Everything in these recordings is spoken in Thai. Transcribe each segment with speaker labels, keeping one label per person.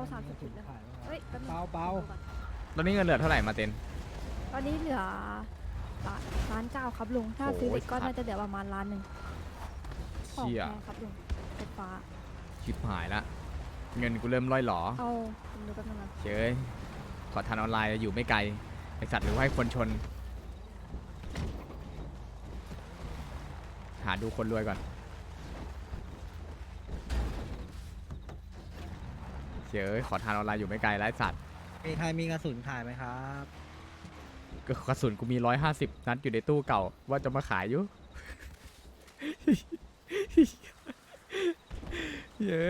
Speaker 1: 30 จุดเลยเฮ้ยแป๊บนึง
Speaker 2: เบา
Speaker 3: ตอนนี้เงินเหลือเท่าไหร่มาเต็น
Speaker 1: ตอนนี้เหลือล้านเก้าครับลุง ถ้าซื้อเหล็กก็น่าจะเหลือประมาณล้านหนึ่งของ
Speaker 3: เชี่ย
Speaker 1: แพงครับลุงไฟฟ้า
Speaker 3: ชิบหายละเงินกูเริ่มร่อยหรอ
Speaker 1: เอาผมดูแป๊บนึงนะ
Speaker 3: เจ้ยขอทานออนไลน์อยู่ไม่ไกลไอสัตว์หรือว่าให้คนชน หาดูคนรวยก่อนเจ้ยขอทานออนไลน์อยู่ไม่ไกลแล้วไอ้สัตว์
Speaker 2: มีใครมีกระสุนขายไหมครับ
Speaker 3: ก็กระสุนกูมี150นัดอยู่ในตู้เก่าว่าจะมาขายอยู่ เย้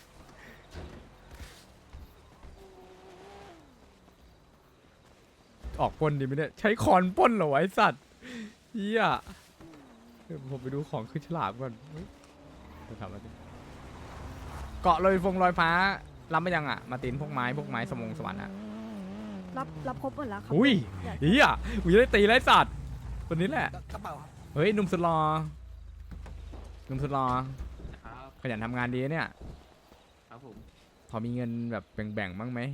Speaker 3: ออกปล้นดีไหมเนี่ยใช้คอนปล้นเหรอวะไอ้สัตว์เฮียเดี๋ยวผมไปดูของขึ้นฉลามก่อนเฮ้ยจะทำอะไรดิเกาะลอยฟ้ารับมายังอ่ะมาตินพวกไม้สมงสวรรค์อ่ะ
Speaker 1: รับครบหมดแล้วครับ
Speaker 3: อุ้ย
Speaker 1: เดี๋ยว
Speaker 3: เฮียกูจะได้ตีไรสัตว์ตัวนี้แหละ
Speaker 2: กระเป๋าครับ
Speaker 3: เฮ้ยหนุ่มสุดหล่อหนุ่มสุดหล่อ
Speaker 4: ครับ
Speaker 3: ขยันทำงานดีนะเนี่ย
Speaker 4: ครับผม
Speaker 3: พอมีเงินแบบแบ่งๆบ้างไหม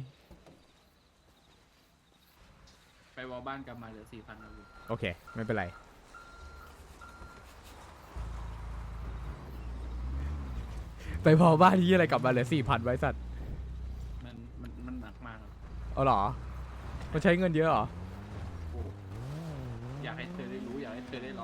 Speaker 4: ไปวอลบ้านกลับมาเหลือ4,000ครับผม
Speaker 3: โอเค ไม่เป็นไร ไปพอบ้านที่อะไรกลับมาเหลือ4,000ไว้สัตว์
Speaker 4: มันหนักมากครับ
Speaker 3: เอาเหรอมันใช้เงินเยอะเหรอ
Speaker 4: โอ้อยากให้เธอได้รู้อยากให้เธอได้ลอง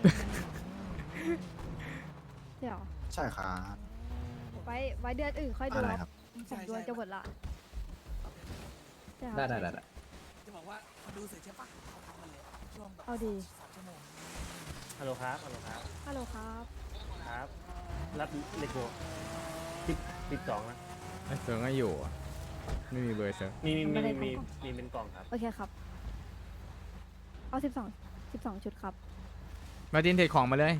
Speaker 1: เดี๋ยว
Speaker 5: ใช่ครับ
Speaker 1: ไว้เดือนอื่นค่อยดู
Speaker 5: อะไร
Speaker 1: ค
Speaker 5: ครั
Speaker 1: รับบ ผมดวงจะหมดละใช่ครับ
Speaker 6: ได้
Speaker 2: จะบอกว่าเขาดูเสร็จใช่ปะเขาทำกันเลยช่วงแบบ
Speaker 1: เอาดี
Speaker 2: 3 ชั่วโมง
Speaker 6: ฮัลโหลครับ ฮัลโหลครับ
Speaker 1: ฮัลโหลครับ
Speaker 6: ครับ รับเลโก้12นะ
Speaker 3: ไอ้เซิร์งก็อยู่อะไม่มีเบอร์เซิร์ง
Speaker 6: มีเป็นกล่องครับ
Speaker 1: โอเคครับ เอา12ชุดครับ
Speaker 3: มาจินเทรดของมาเลย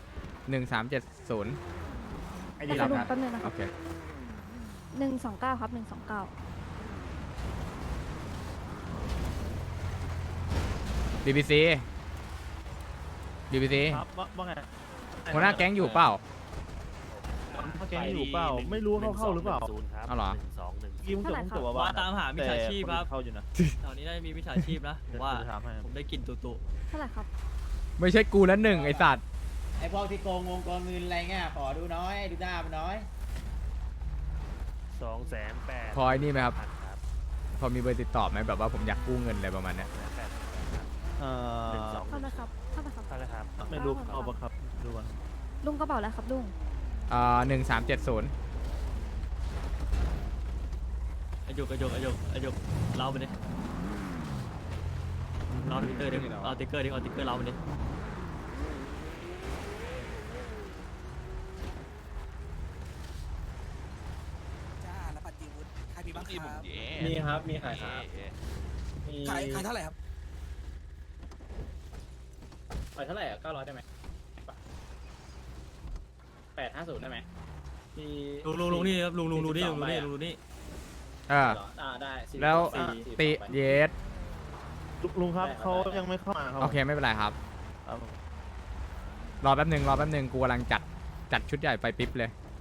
Speaker 3: 1370
Speaker 6: ไอ้
Speaker 1: แต่
Speaker 6: นี่
Speaker 1: คุ
Speaker 6: รับ
Speaker 1: ณลุง
Speaker 6: ครับ
Speaker 1: แป๊บนึงนะค
Speaker 3: โอ
Speaker 1: รับ
Speaker 3: เค
Speaker 1: 129ครับ129
Speaker 3: BBC
Speaker 6: ครับว่าไง
Speaker 3: หัวหน้าแก๊งอยู่เปล่า
Speaker 6: เขาแก๊งอยู่เปล่า ไม่รู้ว่าเข้าหรือเปล่า
Speaker 3: เอาเหรรอ
Speaker 6: กี้มึงจบมึงจบ
Speaker 7: ว่าตามหามิจฉาชีพครับ
Speaker 6: เข้าอยู่นะ
Speaker 7: แถวนี้ได้มีมิจฉาชีพนะผมว่า
Speaker 6: เดี๋ยถามให้
Speaker 7: ผมได้กลิ่นตุ
Speaker 1: เท่าไหร่ครับ
Speaker 3: ไม่ใช่กูแล้วหนึ่งไอสัตว์
Speaker 8: ไอพวกที่โกงงโกงเงินอะไรเงี้ยขอดูน้อยดูหน้ามันน้อย
Speaker 6: 280,000
Speaker 3: พอไอ้นี่ไหมครับ
Speaker 6: ครับ
Speaker 3: พอมีเบอร์ติดต่อไหมแบบว่าผมอยากกู้เงินอะไรประมาณเนี้ย
Speaker 1: เท่าไหร่ครับเท่าไหร่ครับ
Speaker 6: เท่าไหร่ครับ ไม่รู้เอาปะครับ ดูก่อน
Speaker 1: ลุงกระเป๋าแล้วครับลุง
Speaker 3: 1370
Speaker 7: ๆอายุเล่าไปดิเล่าติ๊กเกอร์ดิเอาติ๊กเกอร์เล่าไปดิ
Speaker 2: จ้าแล้วปัจจิวุฒิใครมีบ้างครับ
Speaker 6: มีครับ มีขายครับ
Speaker 2: ขายเท่าไหร่ครับ
Speaker 6: ขายเท่าไหร่อ่ะ900ได้ไหม850ได้ไหมมี
Speaker 7: ลุงนี่ครับลุงดูนี่
Speaker 6: ได้
Speaker 3: แล้วติเยส
Speaker 6: ลุงครับเขายังไม่เข้ามาครับ
Speaker 3: โอเคไม่เป็นไรครับ รอแป๊บหนึ่งกูกำลังจัดชุดใหญ่ไปปิ๊บเลย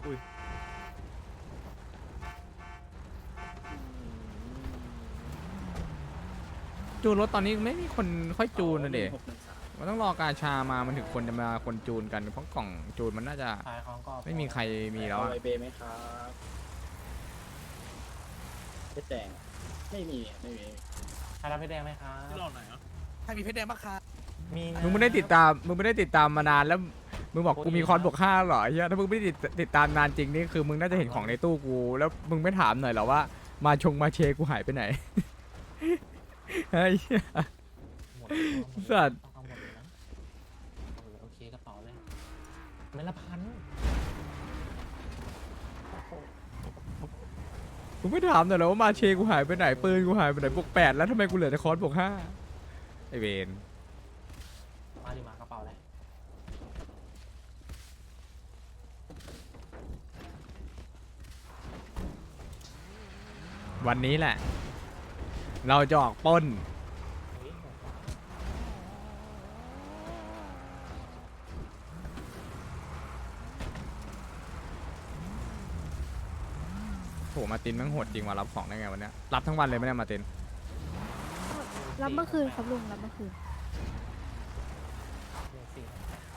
Speaker 3: จูนรถตอนนี้ไม่มีคนค่อยจูนนะเด็กมันต้องรอกาชามามันถึงคนจะมาคนจูนกันเพราะกล่องจูนมันน่าจะ
Speaker 6: ขายของก็
Speaker 3: ไม่มีใครมีแล้วอะ
Speaker 6: ไวเบไหมครับเพชรแดงไม่มีใครรับเพชรแดงไหมครับ
Speaker 4: ที่เราไหนอ่ะ
Speaker 2: ใครมีเพชรแดงบ้างครับ
Speaker 6: มีนะ
Speaker 3: มึงไม่ได้ติดตามมานานแล้วมึงบอกกูมีคอนบวก5เหรอไอ้เฮียถ้ามึงไม่ได้ติดตามนานจริงนี่คือมึงน่าจะเห็นของในตู้กูแล้วมึงไม่ถามหน่อยเหรอว่ามาเชกูหายไปไหน ไอ้เหี้ย สัตว์
Speaker 6: โอเคกระเป๋าเลยเม็ดละพัน
Speaker 3: มึงไม่ถามหน่อยเหรอว่ามาเชกูหายไปไหนปืนกูหายไปไหนบวก8แล้วทำไมกูเหลือแต่คอนบวก5ไอเวน
Speaker 6: มาดิมากระเป๋าเลย
Speaker 3: วันนี้แหละ เราจะออกปล้นโหมาตินแม่งโหดจริงว่ะรับของได้ไงวันเนี้ยรับทั้งวันเลยไม่ได้มาติน
Speaker 1: รับเมื่อคืนครับลุงรับเมื่อคืน
Speaker 6: 14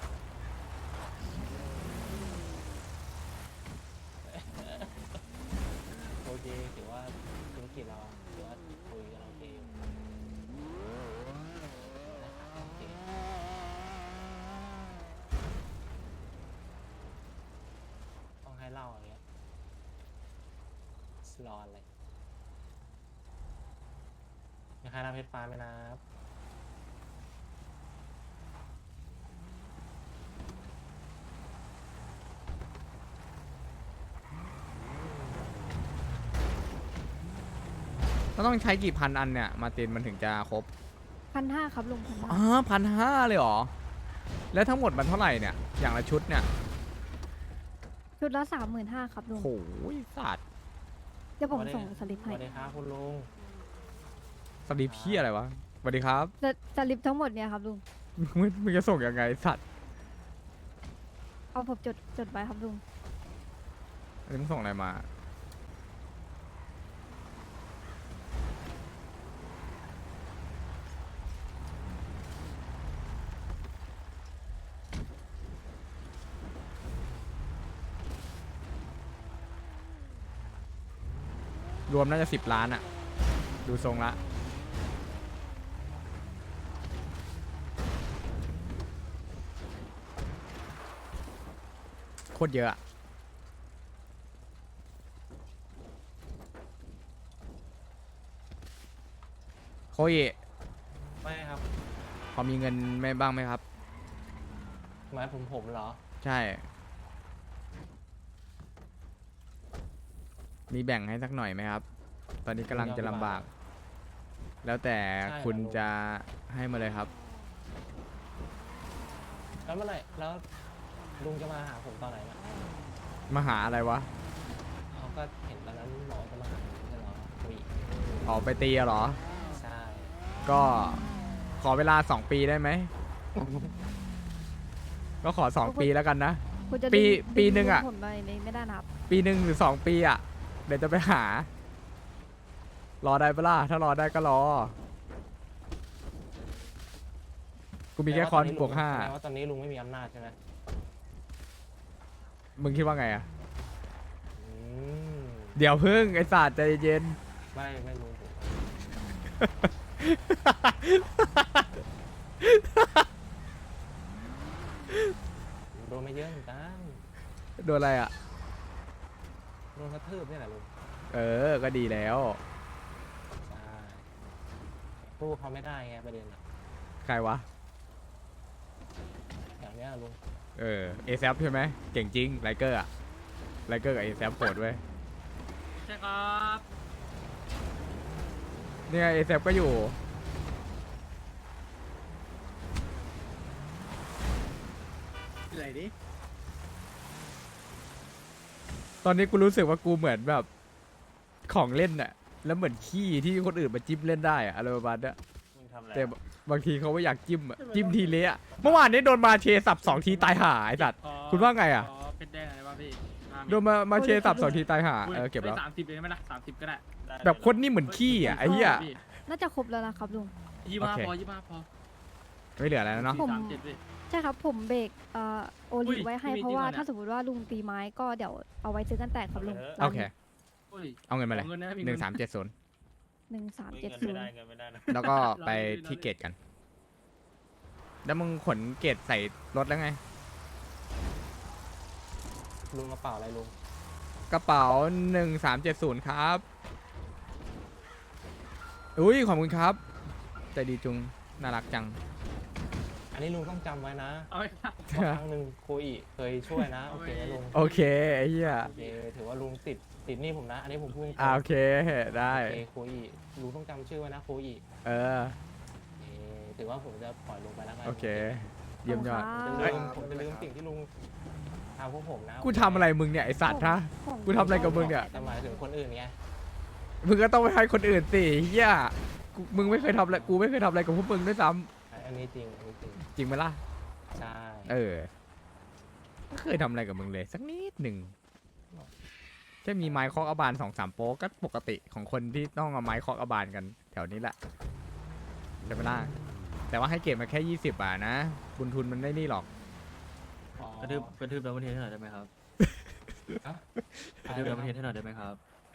Speaker 6: โอเคถือว่าธุรกิจเราถือว่าคุยกันโอเคอยู่นะครับโอเคต้องให้เล่าอย่างเงี้ยรออะไรมีใครรับเพชรฟ้าไหมนะครับ
Speaker 3: ก็ต้องใช้กี่พันอันเนี่ยมาตินมันถึงจะครบ
Speaker 1: 1,500ครับลุง1,500
Speaker 3: อ๋อ1,500เลยเหรอแล้วทั้งหมดมันเท่าไหร่เนี่ยอย่างละชุดเนี่ย
Speaker 1: ชุดละ35,000ครับลุง
Speaker 3: โอ้ยสัตว์
Speaker 1: เดี๋ยวผมส่งสลิป
Speaker 6: ส
Speaker 1: ให้
Speaker 6: วัสดีครับคุณลุง
Speaker 3: สลีปพี่อะไรวะสวัสดีครับ
Speaker 1: สลิปทั้งหมดเนี่ยครับลุง
Speaker 3: มึงจะส่งยังไงสัตว์
Speaker 1: เอาผมจดไว้ครับลุง
Speaker 3: อันนี้มึงส่งอะไรมา รวมน่าจะ10 ล้านอะดูทรงละโคตรเยอะอะโคย
Speaker 6: ไม่ครับ
Speaker 3: พอมีเงินไม่บ้างไหมครับ
Speaker 6: หมายผมเหรอ
Speaker 3: ใช่ มีแบ่งให้สักหน่อยไหมครับ ตอนนี้กำลังจะลำบาก แล้วแต่คุณจะให้มาเลยครับ
Speaker 6: แล้วเมื่อไหร่แล้วลุงจะมาหาผมตอนไหนนะ
Speaker 3: มาหาอะไรวะ
Speaker 6: เขาก็เห็นตอนนั้นหมอจะมาหาผมใช่เหรอคุย
Speaker 3: ออกไปตีอะเหรอ
Speaker 6: ใช่
Speaker 3: ก็ขอเวลา2 ปีได้ไหม ก็ขอ2 ปีแล้วกันนะ
Speaker 1: คุณจะ
Speaker 3: ปี
Speaker 1: ดึ
Speaker 3: ปีหนึ่งอะ
Speaker 1: ผมไม่ได้นะครับ
Speaker 3: ปีหนึ่งหรือ2 ปีอะเดี๋ยวจะไปหา รอได้ปะล่ะ ถ้ารอได้ก็รอ กูมีแค่คอนบวก
Speaker 6: แสดงว่าตอนนี้ลุงไม่มีอำนาจใช่ไหม
Speaker 3: 5มึงคิดว่าไงอะ
Speaker 6: อืม
Speaker 3: เดี๋ยวพึ่งไอ้ศาสตร์ใจเย็น
Speaker 6: ไม่รู้ผมโดนไม่เยอะเหมือนกัน
Speaker 3: โดนอะไรอะ
Speaker 6: โดนกระทืบนี่แหละลุง
Speaker 3: เออ ก็ดีแล้ว
Speaker 6: ใช่สู้เขาไม่ได้ไงประเด็นอะ
Speaker 3: ใครวะ
Speaker 6: อย่างเนี้ยลุง
Speaker 3: เออเอซใช่ไหมเก่งจริงไลเกอร์อะไลเกอร์กับเอซโหดเว้ย
Speaker 7: ใช่ครับ
Speaker 3: เนี่ยเอซก็อยู่
Speaker 8: อะไรดิ
Speaker 3: ตอนนี้กูรู้สึกว่ากูเหมือนแบบของเล่นอะแล้วเหมือนขี้ที่คนอื่นมาจิ้มเล่นได้อะอะไรประมาณเนี้ยแต่บางทีเขาไม่อยากจิ้มอะจิ้มทีเละอะเมื่อวานนี้โดนมาเชสับ2 ทีตายห่าไอ้สัตว์คุณว่าไงอะ
Speaker 7: เป็นได้ไงบ้างพี่
Speaker 3: โดนมาเชสับ2 ทีตายห่าเก็บแล้ว
Speaker 7: 30เลยไหมล่ะ30ก็ได้
Speaker 3: แบบคนนี่เหมือนขี้อะไอ้เหี้ย
Speaker 1: น่าจะครบแล้วนะครับลุง
Speaker 7: 25พอ25พอ
Speaker 3: ไม่เหลืออะไรแล้วเนาะ
Speaker 1: ผม
Speaker 7: 37พี่
Speaker 1: ใช่ครับผมเบรกโอ
Speaker 7: อุ้
Speaker 1: ลิ
Speaker 7: ย
Speaker 1: ไว้ให้
Speaker 7: พี่มี
Speaker 1: เพราะว่า
Speaker 7: จริงเหรอ
Speaker 1: ถ้าสมมติว่าลุงตีไม้ก็เดี๋ยวเอาไว้ซื้อกันแตกครับลุง
Speaker 3: โอเค
Speaker 7: อุ้ย
Speaker 3: เอาเงินมาเลย
Speaker 7: เงินนะมีเงิน
Speaker 3: 1370
Speaker 1: 1370
Speaker 3: แล้วก็ไปที่เกตกัน แล้วมึงขนเกตใส่รถแล้วไง
Speaker 6: ลุงกระเป๋าอะไรลุง
Speaker 3: กระเป๋า 1370 ครับ อุ้ยขอบคุณครับ ใจดีจุง น่ารักจัง
Speaker 6: อันนี้ลุงต้องจำไว้นะ
Speaker 7: เอาไปครับ
Speaker 6: ว่าครั้งหนึ่งโคอิเคยช่วยนะโอเคไหมลุง
Speaker 3: โอเคไอ้เหี้ย
Speaker 6: โอเคถือว่าลุงติดหนี่ผมนะ อันนี้ผมพูดตรง
Speaker 3: โอเค ได้
Speaker 6: โอเคโคอิลุงต้องจำชื่อไว้นะโคอิ
Speaker 3: เออ
Speaker 6: โอเคถือว่าผมจะปล่อยลุงไปแล้วกัน
Speaker 3: โอเค เยี่ยมยอด
Speaker 6: ผมจะลืมสิ่งที่ลุงทำพวกผมนะ
Speaker 3: กูทำอะไรมึงเนี่ย ไอสัตว์ฮะ
Speaker 1: ของ
Speaker 3: กูทำอะไรกับมึงเนี่ย
Speaker 6: แต่หมายถึงคนอื่นไง
Speaker 3: มึงก็ต้องไปให้คนอื่นสิเหี้ยมึงไม่เคยทำอะไร กูไม่เคยทำอะไรกับพวกมึงด้วยซ้
Speaker 6: อันนี้จริงอันนี้จริง
Speaker 3: ำจริงไหมล่ะ
Speaker 6: ใช่
Speaker 3: เออ ไม่เคยทำอะไรกับมึงเลย สักนิดหนึ่งใจแค่มีไม้เคาะกระบาล2-3โป๊กก็ปกติของคนที่ต้องเอาไม้เคาะกระบาลกันแถวนี้แหละใช่ไหมล่ะแต่ว่าให้เก็บมาแค่20 บาทนะบุญทุนมันได้นี่หรอก
Speaker 6: อ๋อก
Speaker 7: ระทืบดับเบิลเทสให้หน่อยได้ไหมครับ
Speaker 6: อะ
Speaker 7: กระทืบดับเบิลเทสให้หน่อยได้ไหมครับ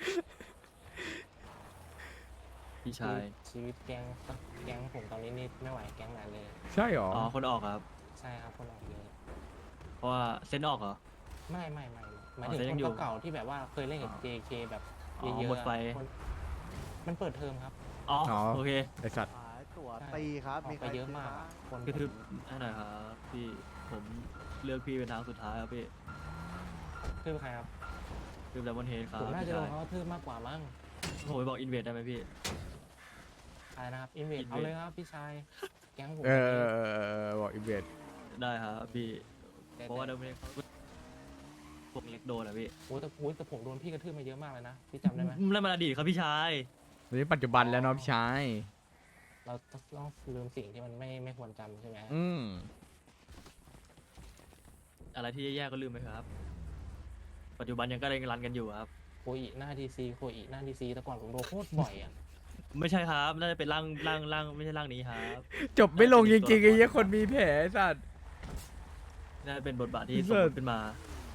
Speaker 7: พี่ชาย
Speaker 6: ชีวิตแก๊งผมตอนนี้นี่ไม่ไหวแก๊งไหนเลย
Speaker 3: ใช่หรอ
Speaker 7: อ๋อคนออกครับ
Speaker 6: ใช่ครับคนออกเยอะ
Speaker 7: เพราะว่าเซ็นออกเหรอ
Speaker 6: ไม่หมาย
Speaker 7: อ๋อ
Speaker 6: ถึง
Speaker 7: แต่ยัง
Speaker 6: ค
Speaker 7: อยู่
Speaker 6: นเก่าๆที่แบบว่าเคยเล่นกับ
Speaker 7: อ๋อ
Speaker 6: JK แบบ
Speaker 7: อ๋อ
Speaker 6: เยอะๆ
Speaker 7: หมดไฟ
Speaker 6: คนมันเปิดเทอมครับ
Speaker 7: อ๋อโอเค
Speaker 3: ไอสัตว์
Speaker 5: ขายตั๋ว
Speaker 6: ใช่
Speaker 5: ตีครับ
Speaker 6: ออก
Speaker 5: มีใค
Speaker 6: ไป
Speaker 5: ร
Speaker 6: เยอะ
Speaker 5: ซื้
Speaker 6: มาก
Speaker 5: บ้ง
Speaker 6: คน
Speaker 7: กระทืบให้หน่อยครับพี่ผมเลือกพี่เป็นทางสุดท้ายครับพี่
Speaker 6: คือใครครับ
Speaker 7: กระทืบดับเบิลเทสครับ
Speaker 6: ผมน่า
Speaker 7: พี่
Speaker 6: จะล
Speaker 7: ชาง ย
Speaker 6: เขากระทืบมากกว่ามั้ง
Speaker 7: ผมไปบอกอินเวดได้ไหมพี่
Speaker 6: อะไรนะครับอินเวด
Speaker 7: Invade
Speaker 6: เอาเลยครับพี่ชายแก๊งผม
Speaker 3: เอ
Speaker 6: ตอนนี้
Speaker 3: บอกอินเวด
Speaker 7: ได้ครับพี่
Speaker 6: แต่
Speaker 7: เพราะว่าดับเบิลเทสเขาพวกเล็กโดนอะพี่
Speaker 6: โอ้แต่ผมโดนพี่กระทืบมาเยอะมากเลยนะพี่จำได้ไหม
Speaker 7: แล้วมันอดีตครับพี่ชาย
Speaker 3: นี่ปัจจุบันแล้วเนาะพี่ชาย
Speaker 6: เราต้องลืมสิ่งที่มันไม่ควรจำใช่ไหม
Speaker 3: อืม
Speaker 7: อะไรที่แย่ๆก็ลืมไปครับ ปัจจุบันยังก็เร่งรันกันอยู่ครับ
Speaker 6: โคอิหน้าดีซีโคอิหน้าดีซีแต่ก่อนผมโดนโคตรบ่อยอ่ะ
Speaker 7: ไม่ใช่ครับ น่าจะเป็นร่างไม่ใช่ร่างนี้ครับ
Speaker 3: จบไม่ลงจริงๆไอ้เหี้ยคนมีแผลไอ้สัตว์
Speaker 7: น่าจะเป็นบทบาทที่
Speaker 3: พี่
Speaker 7: ส
Speaker 3: เสิ
Speaker 7: ม
Speaker 3: ร์
Speaker 7: ม
Speaker 3: ช
Speaker 7: ติขึ้นมา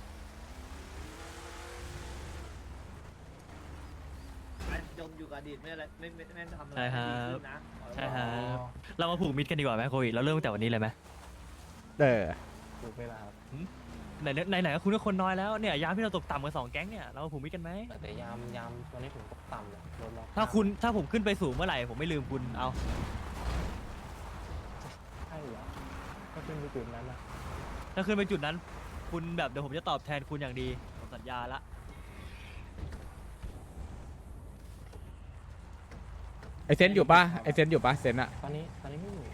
Speaker 5: จมอยู่กับอดีตไม่อะไรไม่ทำอะไร
Speaker 7: ใช่ครับ
Speaker 5: ดีขึ้นนะ
Speaker 7: ใช่ครับ เรามาผูกมิตรกันดีกว่าไหมโควิดเราเริ่มตั้งแต่วันนี้เลยไหม
Speaker 3: เออ
Speaker 6: ถูกเวลาครับ
Speaker 7: ไหนก็คุณก็คนน้อยแล้วเนี่ยยามที่เราตกต่ำกัน2 แก๊งเนี่ยเรามาผูกมิตรกันไหม
Speaker 6: แต่ยามตอนนี้ผมตกต่ำเลยโดนล็อก
Speaker 7: ถ้าผมขึ้นไปสูงเมื่อไหร่ผมไม่ลืมคุณเอา
Speaker 6: ใช่เหรอก็ขึ้นไปจุดนั้นนะ
Speaker 7: ถ้าขึ้นไปจุดนั้น คุณแบบเดี๋ยวผมจะตอบแทนคุณอย่างดีผมสัญญาละ
Speaker 3: ไอเซนอยู่ปะไอเซนอยู่ปะเซนอะ
Speaker 6: ตอนนี้ไม่อยู่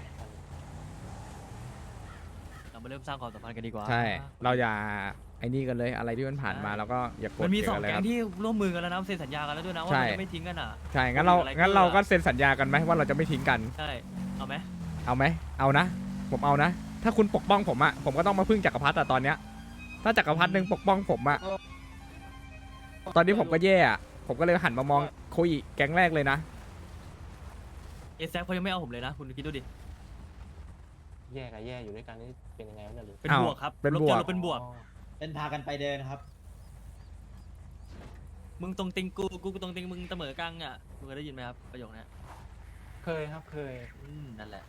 Speaker 7: เรามาเริ่มสร้างความสัมพันธ์กันดีกว่า
Speaker 3: ใช่ เราอย่าไอ้นี่กันเลยอะไรที่มันผ่านมาแล้วก็อย่ากด
Speaker 7: มันมี
Speaker 3: เกี่ยว
Speaker 7: 2
Speaker 3: เลย
Speaker 7: แก๊
Speaker 3: ครั
Speaker 7: ง
Speaker 3: บ
Speaker 7: ที่ร่วมมือกันแล้วนะเซ็นสัญญากันแล้วด้วยนะว่า
Speaker 3: ใช่
Speaker 7: มันจะไม่ทิ้งกันอ่ะ
Speaker 3: ใช่งั้นเรา
Speaker 7: อะไร
Speaker 3: งั้นเรา
Speaker 7: เกิดอะ
Speaker 3: ก็เซ็นสัญญากันไหมว่าเราจะไม่ทิ้งกัน
Speaker 7: ใช่เอาไหม
Speaker 3: เอาไหมเอานะ ผมเอานะ ถ้าคุณปกป้องผมอะผมก็ต้องมาพึ่งจักรพรรดิอะตอนเนี้ย ถ้าจักรพรรดิหนึ่งปกป้องผมอะตอนนี้ผมก็แย่อะผมก็เลยหันมามองโคอิแก๊งแรกเลยนะ
Speaker 7: เอแซเขายังไม่เอาผมเลยนะ คุณคิดดูดิ
Speaker 6: แย่กับแย่อยู่ด้วยกันนี่เป็นยังไงวะเนี่ยหรือ
Speaker 7: เป็น
Speaker 3: อ้าว
Speaker 7: บวกครับ
Speaker 3: เป็น
Speaker 7: ล
Speaker 3: บวก
Speaker 7: เราเป็นบวก
Speaker 6: อ๋อ
Speaker 8: เป็นพากันไปเดินครับ
Speaker 7: มึงตรงติงกูตรงติงมึงเสมอกังอ่ะมึงเคยได้ยินไหมครับประโยคนี้
Speaker 6: เคยครับเคย
Speaker 7: นั่นแหละ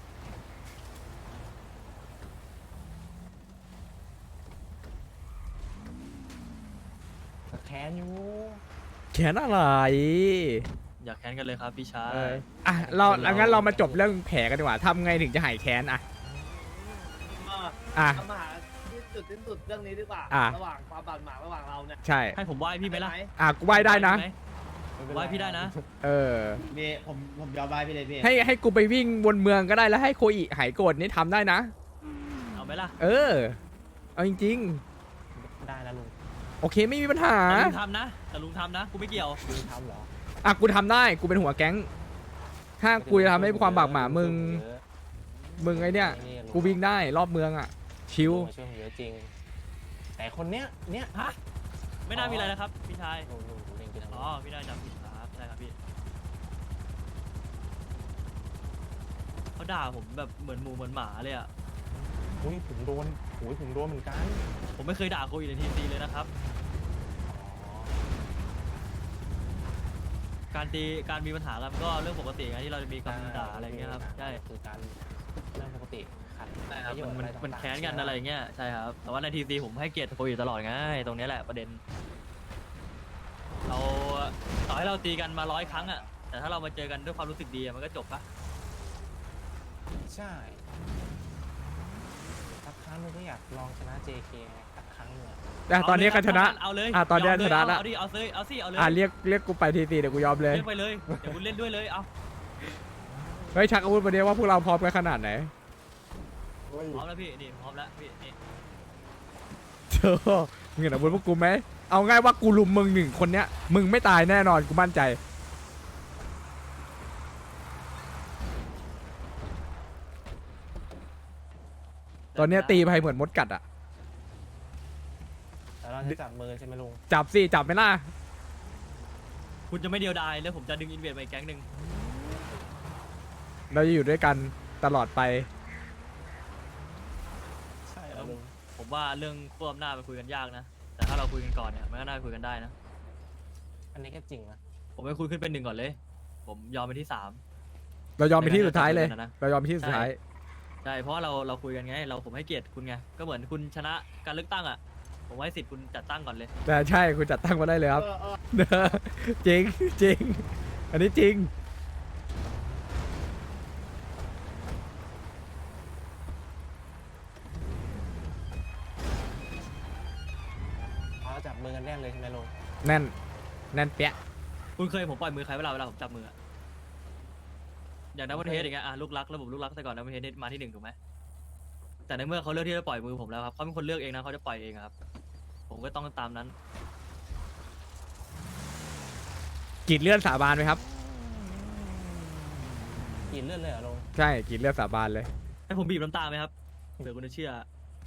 Speaker 6: แต่แค้นอยู่
Speaker 3: แขนอะไร
Speaker 7: อยากแค้นกันเลยครับพี่ชาย
Speaker 3: อ่ะเรางั้นเรามาจบเรื่องแผลกันดีกว่าทำไงถึงจะหายแค้นอะอ่ะ
Speaker 5: ทำมาหาที่สุดเรื่องนี้ดีกว่า
Speaker 3: อ่ะ
Speaker 5: ระหว่างความบาดหมางระหว่างเราเนี่ย
Speaker 3: ใช่
Speaker 7: ให้ผมไหว้พี่ไหมล่ะ
Speaker 5: ด้
Speaker 3: อ่ะกูไหว้ได้นะ
Speaker 7: หม
Speaker 6: ไม่เป็นร
Speaker 7: ไหว้พี่ได้นะ
Speaker 3: เออ
Speaker 8: พี่ผมยอมไปพี่เลยพี่
Speaker 3: ให้กูไปวิ่งวนเมืองก็ได้แล้วให้โคอิหายโกรธนี่ทำได้นะ
Speaker 7: เอาไหมล่ะ
Speaker 3: เออ เอาจริง
Speaker 6: ได้นะลุง
Speaker 3: ๆ โอเคไม่มีปัญหา
Speaker 7: แต่ลุงทำนะแต่ลุงทำนะกูไม่เกี่ยว
Speaker 6: ลุงทำเหรอ
Speaker 3: อ่ะกูทำได้กูเป็นหัวแก๊ง ถ้ากูจะทำให้ความบากหมามึง
Speaker 6: เยอะ
Speaker 3: มึงไอเนี่ย
Speaker 6: ลุ
Speaker 3: กูวิ่งได้รอบเมืองอ่ะ ชิว
Speaker 6: ลุงมาช่วยผมเยอะจริง แต่คนเนี้ย
Speaker 7: ฮะไม่น่ามีอะไรนะครับพี่ชาย
Speaker 6: ลุงเล่นกินอะไร
Speaker 7: อ๋อพี่ได้จำผิดครับได้ครับพี่เขาด่าผมแบบเหมือนหมูเหมือนหมาเลยอ่ะ
Speaker 6: อุ้ยผมโดนเหมือนกัน
Speaker 7: ผมไม่เคยด่าโควิดในทีซีเลยนะครับ
Speaker 6: อ๋อ
Speaker 7: การมีปัญหากันก็เรื่องปกติไงที่เราจะมีคำด่าอะไรอย่างเงี้ยครับใช่
Speaker 6: คือการเรื่องปกติขัด
Speaker 7: ใช่ครับ
Speaker 6: ประโยชน์
Speaker 7: มัน
Speaker 6: อะไร
Speaker 7: มัน
Speaker 6: ต่างๆ
Speaker 7: แค้นกันอะไรอย่างเงี้ยใช่ครับแต่ว่าในทีซีผมให้เกียรติโควิดตลอดไงตรงเนี้ยแหละประเด็นเราต่อให้เราตีกันมา100 ครั้งอ่ะแต่ถ้าเรามาเจอกันด้วยความรู้สึกดีอะมันก็จบปะ
Speaker 6: ใช่สักครั้งนึงก็อยากลองชนะ JK ไงสักครั้งหนึงอะ
Speaker 3: แต่ตอนนี้ก็ชนะ
Speaker 7: เอาเลย
Speaker 3: อ่ะตอนนี้
Speaker 7: ยมเลย
Speaker 3: ชนะละ
Speaker 7: เอาดิเอาเลยเอาสิเอาเลย
Speaker 3: อ่ะเรียกกูไปทีตีเดี๋ยวกูยอมเลย
Speaker 7: เล่นไปเลยเดี๋ยวคุณเล่นด้วยเลยเอา
Speaker 3: เฮ้ยชักอาวุธมาเดียวว่าพวกเราพร้อมกันขนาดไหน
Speaker 7: พร้อมแล้วพี่นี่พร้อมแล้วพี่นี่
Speaker 3: เธอมึงเห็นอาวุธพวกกูไหมเอาง่ายว่ากูลุมมึง1 คนเนี้ยมึงไม่ตายแน่นอนกูมั่นใจ ตอนเนี้ยตีไปเหมือนมดกัดอ่ะ
Speaker 6: แต่เราจะจับมือใช่ไหมลุง
Speaker 3: จับสิจับไหมล่ะ
Speaker 7: คุณจะไม่เดียวดายแล้วผมจะดึงอินเวดไปอีกแก๊งหนึ่ง
Speaker 3: เราจะอยู่ด้วยกันตลอดไป
Speaker 6: ใช่ลุง
Speaker 7: ผมว่าเรื่องควบอำนาจไปคุยกันยากนะ แต่ถ้าเราคุยกันก่อนเนี่ยมันก็น่าคุยกันได้นะ
Speaker 6: อันนี้ก็จริงนะ
Speaker 7: ผมไปคุยขึ้นเป็น1ก่อนเลย ผมยอมไปที่3
Speaker 3: เรายอมไปที่สุดท้ายเลย
Speaker 7: ไม่งั้น
Speaker 3: เรายอมไปที่สุดท้าย
Speaker 7: ใช่เพราะว่าเราคุยกันไงผมให้เกียรติคุณไงก็เหมือนคุณชนะการเลือกตั้งอ่ะผมให้สิทธิ์คุณจัดตั้งก่อนเลย
Speaker 3: แต่ใช่คุณจัดตั้งมาได้เลยครับ
Speaker 8: เออ
Speaker 3: จริงจริง อันนี้จริง
Speaker 6: เราจับมือกันแน่นเลยใช่ไหมลุง
Speaker 3: แน่น แน่นเปี้ย
Speaker 7: คุณเคยผมปล่อยมือใครเวลาผมจับมืออะอย่างดับเบิลเทสอย่างเงี้ยลูกรักระบบลูกรักแต่ก่อนดับเบิลเทสมาที่1ถูกไหมแต่ในเมื่อเขาเลือกที่จะปล่อยมือผมแล้วครับเขาเป็นคนเลือกเองนะเขาจะปล่อยเองอะครับผมก็ต้องตามนั้น
Speaker 3: กรีดเลือดสาบานไหมครับ
Speaker 6: กินเลือดเลยเหรอลุง
Speaker 3: ใช่กรีดเลือดสาบานเลย
Speaker 7: ให้ผมบีบน้ำตาไหมครับเผื่อคุณจะเชื่อ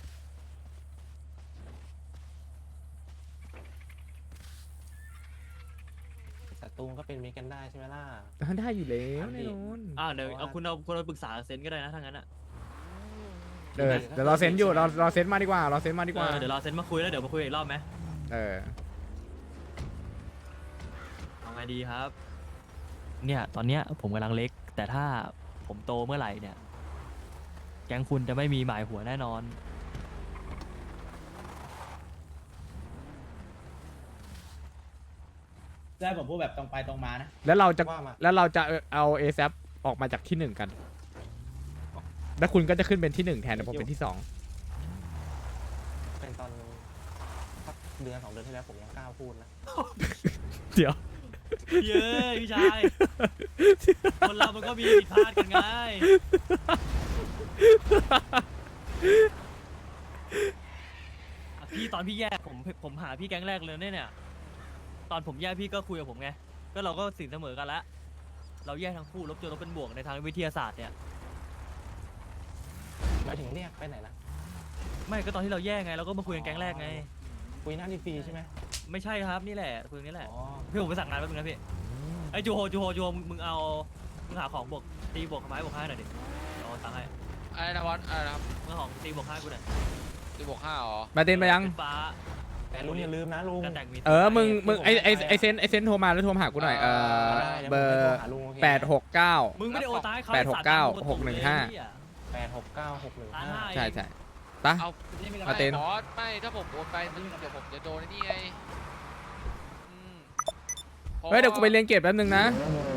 Speaker 6: ศัตรูก็เป็นมิตรกันได้ใช่ไหมล่ะ
Speaker 3: ได้อยู่แล้ว
Speaker 6: ครับพี่
Speaker 3: แน่นอน
Speaker 7: เดี๋ยวเอาคุณเอาปรึกษาเซนก็ได้นะถ้างั้นอะ
Speaker 3: เดี๋ยวเราเซ็นอยู่เราเซ็นมาดีกว่า เราเซ็นมาดีกว่า
Speaker 7: เดี๋ยวเราเซนมาคุยแล้วเดี๋ยวมาคุยอีกรอบไหม
Speaker 3: เออ
Speaker 7: เอาไงดีครับ เนี่ยตอนเนี้ยผมกำลังเล็ก แต่ถ้าผมโตเมื่อไหร่เนี่ยแก๊งคุณจะไม่มีหมายหัวแน่นอน
Speaker 8: ได้ผมพูดแบบตรงไปตรงมานะ
Speaker 3: แล้วเราจะ
Speaker 6: ว่ามา
Speaker 3: แล้วเราจะเอา ASAP ออกมาจากที่1กัน แล้วคุณก็จะขึ้นเป็นที่1แทนแต่ผมเป็นที่2
Speaker 6: เป็นตอนสักเดือน2 เดือนที่แล้วผมยังกล้าพูดนะ
Speaker 3: เดี๋ยว
Speaker 7: เย้ยพี่ชาย คนเรามันก็มีผิดพลาดกันไงอ่ะพี่ตอนพี่แยกผมหาพี่แก๊งแรกเลยเนี่ย ตอนผมแยกพี่ก็คุยกับผมไง ก็เราก็สินเสมอกันละเราแยกทั้งคู่ลบจนลบเป็นบวกในทางวิทยาศาสตร์เนี่ย
Speaker 6: หมายถึงเรียกไปไหนนะ
Speaker 7: ไม่ก็ตอนที่เราแยกไงเราก็มาคุยกันแก๊งแรกไง
Speaker 6: คุยหน้าดีฟรีใช่ไหม
Speaker 7: ไม่ใช่ครับนี่แหละคุยกันนี่แหละ
Speaker 6: อ๋อ
Speaker 7: พี่ผมไปสั่งงานแป๊บนึงนะพี่ไอ้จูโฮมึงหาของบวกตีบวกไม้บวก5หน่อยดิเอาตังค์ให้
Speaker 9: อะไรนะวอสอะไรนะครับ
Speaker 7: มึงเอาของตีบวก5กูหน่อย
Speaker 9: ตีบวก5อ๋อ
Speaker 3: มาเต้นไปยัง
Speaker 7: ขึ้นฟ้า
Speaker 6: แต่ลุงอย่าลืมนะลุง
Speaker 7: กันแดกมี
Speaker 3: มึงไอเซนโทรมาแล้วโทรมาหากูหน่อย
Speaker 6: ได้ดี๋ยว
Speaker 3: เบอ
Speaker 6: ผม
Speaker 3: ร์
Speaker 6: ไปโทรหาลุงโอเค
Speaker 3: 869
Speaker 7: มึงไม่ได้โอนตังค์ให้เขา
Speaker 3: 869
Speaker 6: 86961
Speaker 3: ใช่ใช่ปะ
Speaker 9: เอา
Speaker 3: มาเต้น
Speaker 9: บอสไม่ถ้าผมโอนไปมันเดี๋ยวผมจะโดนไอ้นี่ไงอืมพราะ
Speaker 3: เฮ้ยเดี๋ยวกูไปเรียนเกรดแป๊บนึงนะ
Speaker 9: เ